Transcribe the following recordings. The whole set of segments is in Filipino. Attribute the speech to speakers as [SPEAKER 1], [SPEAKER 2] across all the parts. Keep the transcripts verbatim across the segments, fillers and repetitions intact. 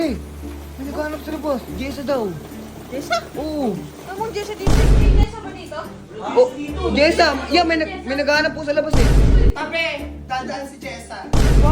[SPEAKER 1] Eh, may naghanap sa labas. Jessa daw.
[SPEAKER 2] Jessa?
[SPEAKER 1] Oo.
[SPEAKER 2] Anong Jessa dito? May Jessa ba dito?
[SPEAKER 1] Oh, Jessa, yeah, may, nag may naghanap po sa labas eh.
[SPEAKER 3] Tabi! Dadaan si Jessa.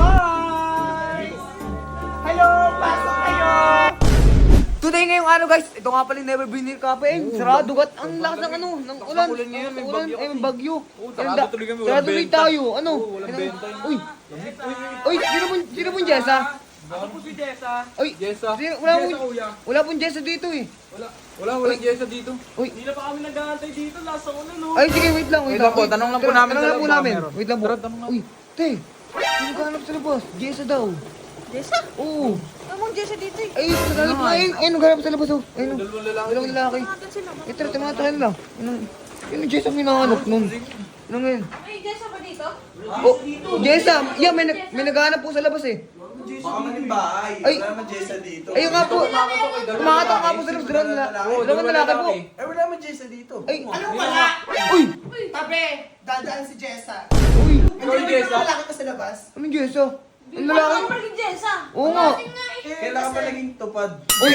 [SPEAKER 3] Boys! Hello! Pasok kayo!
[SPEAKER 1] Today ngayong ano guys, ito nga pala yung Never Been Here Cafe. Eh, sarado gat ang lakas ng ano, ng ulan.
[SPEAKER 4] ulan ngayon, may
[SPEAKER 1] Ulan,
[SPEAKER 4] bagyo
[SPEAKER 1] eh, may
[SPEAKER 4] kasi.
[SPEAKER 1] bagyo.
[SPEAKER 4] Oo, sarado
[SPEAKER 1] Kaya da-
[SPEAKER 4] tuloy kami,
[SPEAKER 1] Sarado
[SPEAKER 4] walang
[SPEAKER 1] tuloy
[SPEAKER 4] benta.
[SPEAKER 1] tayo. Ano?
[SPEAKER 4] Oo, walang
[SPEAKER 1] Kaya-
[SPEAKER 4] benta yun.
[SPEAKER 1] Uy, uy, sino po, sino po yung Jessa?
[SPEAKER 4] Ako po si Jessa.
[SPEAKER 1] Uy,
[SPEAKER 4] Jessa.
[SPEAKER 1] sino, wala po,
[SPEAKER 4] Jessa, kuya.
[SPEAKER 1] wala pong Jessa dito eh.
[SPEAKER 4] Wala, wala, walang Jessa dito.
[SPEAKER 1] Uy,
[SPEAKER 4] Hindi na pa kami nag-aantay dito. Lasa ko na, no?
[SPEAKER 1] ay sige, wait lang, wait,
[SPEAKER 4] Wait lang po,
[SPEAKER 1] Wait,
[SPEAKER 4] tanong lang po
[SPEAKER 1] tanong-
[SPEAKER 4] namin
[SPEAKER 1] Tanong
[SPEAKER 4] sa
[SPEAKER 1] lang po
[SPEAKER 4] loob,
[SPEAKER 1] namin.
[SPEAKER 4] meron.
[SPEAKER 1] Wait lang po.
[SPEAKER 4] Tara, tanong lang.
[SPEAKER 1] Uy, te, sino naghanap sa labas? Jessa daw.
[SPEAKER 2] Jessa?
[SPEAKER 1] Oo.
[SPEAKER 2] Anong Jessa dito eh?
[SPEAKER 1] Ay, naghanap na, ayun, ayun, naghanap sa labas oh. Ayun, oh.
[SPEAKER 4] Dalawang lalaki.
[SPEAKER 1] Dalawang lalaki.
[SPEAKER 2] Tumatan sila.
[SPEAKER 1] Eh, tara, tumatahan lang. Yun, yun yung Jessa minahanap nun. Ano ngayon?
[SPEAKER 2] May Jessa ba dito?
[SPEAKER 1] Oh, Jessa, yeah, may, nag may naghanap po sa labas eh.
[SPEAKER 3] Baka man yung bahay.
[SPEAKER 1] Ay.
[SPEAKER 3] Wala naman Jessa dito.
[SPEAKER 1] Ayun nga po. Kumakatok nga po sa labas. Dalawang lalaki. Dalawang lalaki po.
[SPEAKER 3] Eh, wala naman Jessa dito.
[SPEAKER 1] Ay,
[SPEAKER 3] Anong wala?
[SPEAKER 1] uy,
[SPEAKER 3] Tabi! Dadaan si Jessa.
[SPEAKER 1] uy,
[SPEAKER 4] Ikaw yung Jessa?
[SPEAKER 3] Hindi lalaki pa sa labas.
[SPEAKER 1] anong Jessa? Ang
[SPEAKER 2] Ano
[SPEAKER 1] lalaki.
[SPEAKER 2] ba yung Jessa?
[SPEAKER 1] Oo nga.
[SPEAKER 3] Kailangan pa naging tupad.
[SPEAKER 1] Uy,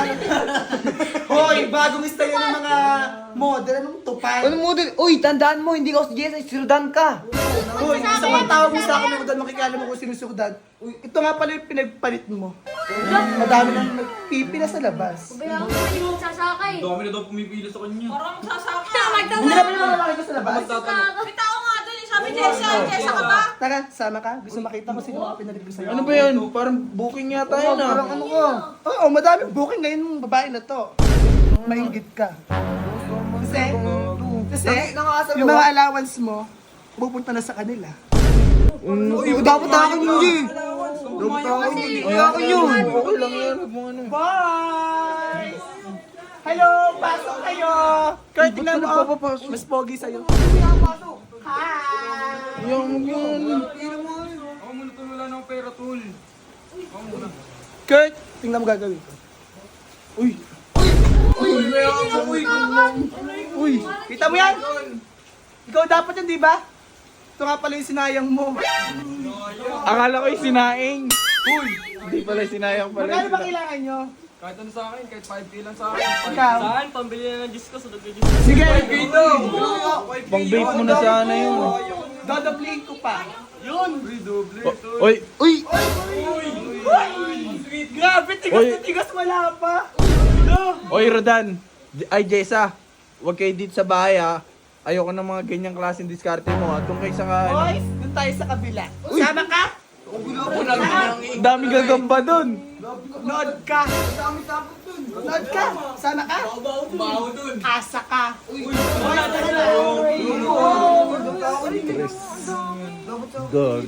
[SPEAKER 3] Hoy, bagong style ng mga model. Anong tupad?
[SPEAKER 1] ano mo din? Uy, tandaan mo, hindi ka si Jessa, si Rodan ka.
[SPEAKER 3] Hoy, isa pang tawag mo sa akin ng model, makikala mo kung sino si Rodan. Ito nga pala yung pinagpalit mo. Madami nang nagpipila sa labas.
[SPEAKER 5] Kaya ako hindi magsasakay.
[SPEAKER 4] Dami na daw pumipila sa kanya.
[SPEAKER 2] Parang magsasaka.
[SPEAKER 3] Hindi na pala lalaki ko sa labas.
[SPEAKER 2] May tao nga doon eh. Sabi Jessa. Jessa ka ba?
[SPEAKER 3] Tara, sama ka. Gusto makita ko sino mga pinalit ko sa'yo.
[SPEAKER 4] Ano ba yan? Parang booking yata
[SPEAKER 1] Oo,
[SPEAKER 4] yun ah.
[SPEAKER 1] parang ano ka.
[SPEAKER 3] Oo, madaming booking ngayon ng babae na to. Maingit ka. Kasi, kasi,
[SPEAKER 1] Nakakasal
[SPEAKER 3] yung mga allowance mo, pupunta na sa kanila.
[SPEAKER 1] Uy, dapat ako hindi. Dapat ako hindi. Kaya ako yun.
[SPEAKER 4] Okay lang yan. Huwag mo ano.
[SPEAKER 3] Boys! Hello! Pasok kayo! Kurt, tingnan mo. oh. Mas pogi sa'yo. Hi!
[SPEAKER 4] Yung yun. Ako muna tol, wala na akong pera tol. Ako muna.
[SPEAKER 3] Kurt, tingnan mo gagawin ko. Uy!
[SPEAKER 4] Uy, may ako uy.
[SPEAKER 3] Uy! Kita mo yan? Ikaw dapat yan, di ba? Ito nga pala yung sinayang mo.
[SPEAKER 4] Akala ko yung sinaing. Uy, hindi pala sinayang pala.
[SPEAKER 3] Magkano ba kailangan nyo?
[SPEAKER 4] Kahit ano sa akin, kahit five K lang sa akin.
[SPEAKER 3] Ikaw?
[SPEAKER 4] Saan? Pambili na ng disco, sunod na disco.
[SPEAKER 3] Sige!
[SPEAKER 4] Pang vape mo na sana yun.
[SPEAKER 3] Dodoblihin ko pa. Yun!
[SPEAKER 4] Oy,
[SPEAKER 1] Uy,
[SPEAKER 3] Grabe, tigas
[SPEAKER 4] Uy.
[SPEAKER 3] na tigas, wala pa.
[SPEAKER 4] oy Rodan. Ay Jessa, huwag kayo dito sa bahay ha. Ayoko ng mga ganyang klaseng diskarte mo ha. Doon kayo sa ka...
[SPEAKER 3] Boys, dun tayo sa kabila. Sama ka?
[SPEAKER 4] Ang dami gagamba doon.
[SPEAKER 3] Nood ka. Nood ka. Sama ka? Asa ka.
[SPEAKER 4] Dog.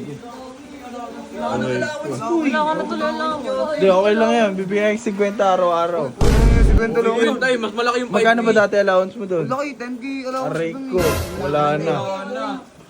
[SPEAKER 2] Wala ka na tuloy lang.
[SPEAKER 4] Hindi, okay lang yan. Bibigyan yung fifty araw-araw.
[SPEAKER 1] sigwento lang yun.
[SPEAKER 4] tayo, mas malaki yung Magkano ba dati allowance mo doon?
[SPEAKER 1] Laki, ten K allowance
[SPEAKER 4] Aray
[SPEAKER 1] dun
[SPEAKER 4] ko,
[SPEAKER 1] eh.
[SPEAKER 4] wala na.